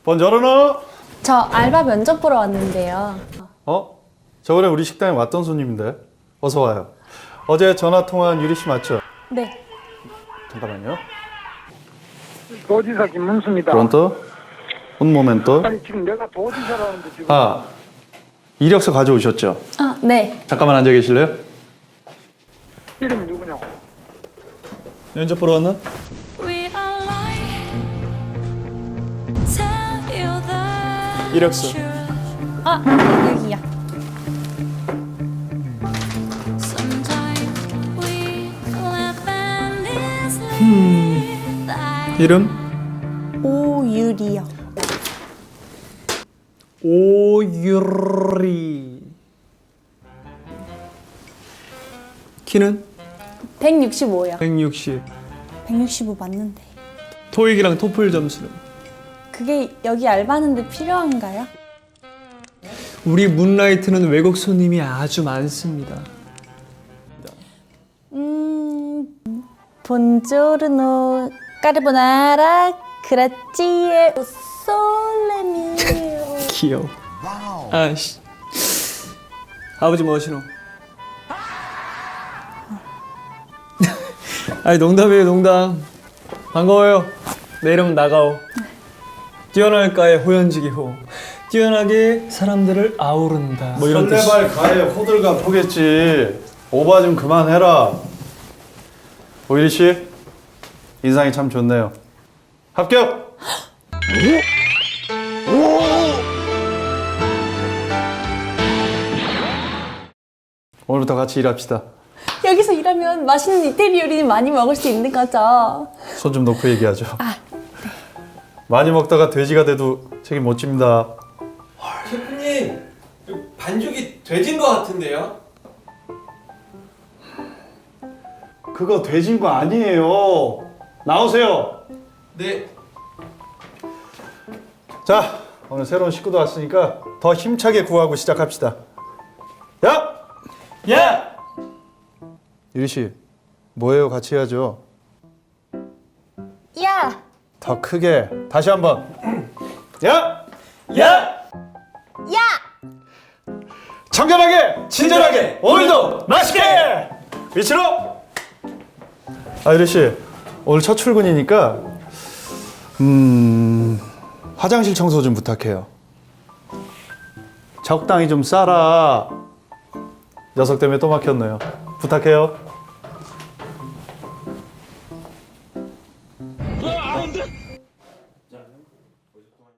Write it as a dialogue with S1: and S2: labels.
S1: 번저러너.
S2: 저 알바 면접 보러 왔는데요.
S1: 저번에 우리 식당에 왔던 손님인데. 어서 와요. 어제 전화 통화한 유리 씨 맞죠?
S2: 네.
S1: 잠깐만요.
S3: 도지사 김문수입니다.
S1: Pronto? Un momento.
S3: 아니 지금 내가 도지사라는데 지금
S1: 이력서 가져오셨죠?
S2: 아, 네.
S1: 잠깐만 앉아 계실래요?
S3: 이름이 누구냐고.
S1: 면접 보러 왔나? 이력서.
S2: 아, 여기요.
S1: 이름?
S2: 오유리요.
S1: 오유리. 키는?
S2: 165요.
S1: 160.
S2: 165 맞는데.
S1: 토익이랑 토플 점수는?
S2: 그게 여기 알바하는데 필요한가요?
S4: 우리 문라이트는 외국 손님이 아주 많습니다.
S2: 본조르노 까르보나라 그라찌에 솔레미.
S4: 귀여워. 아씨. 아버지 뭐시노? 아니 농담이에요 농담. 반가워요. 내 이름은 나가오. 뛰어날까의 호연지기 호. 뛰어나게 사람들을 아우른다. 뭐 이런 뜻.
S1: 설레발 가에 호들갑 포겠지. 오바 좀 그만해라. 오유리 씨, 인상이 참 좋네요. 합격! 오늘부터 같이 일합시다.
S2: 여기서 일하면 맛있는 이태리 요리는 많이 먹을 수 있는 거죠.
S1: 손 좀 놓고 얘기하죠. 많이 먹다가 돼지가 돼도 책임 못 집니다.
S4: 셰프님, 반죽이 돼진 것 같은데요?
S1: 그거 돼진 거 아니에요. 나오세요.
S4: 네.
S1: 자, 오늘 새로운 식구도 왔으니까 더 힘차게 구하고 시작합시다. 야!
S4: 야!
S1: 유리 씨, 뭐예요? 같이 해야죠.
S2: 야!
S1: 더 크게. 다시 한번. 야!
S4: 야!
S2: 야!
S1: 청결하게, 친절하게, 오늘도 맛있게! 위치로! 유리 씨, 오늘 첫 출근이니까 화장실 청소 좀 부탁해요. 적당히 좀 싸라. 녀석 때문에 또 막혔네요. 부탁해요.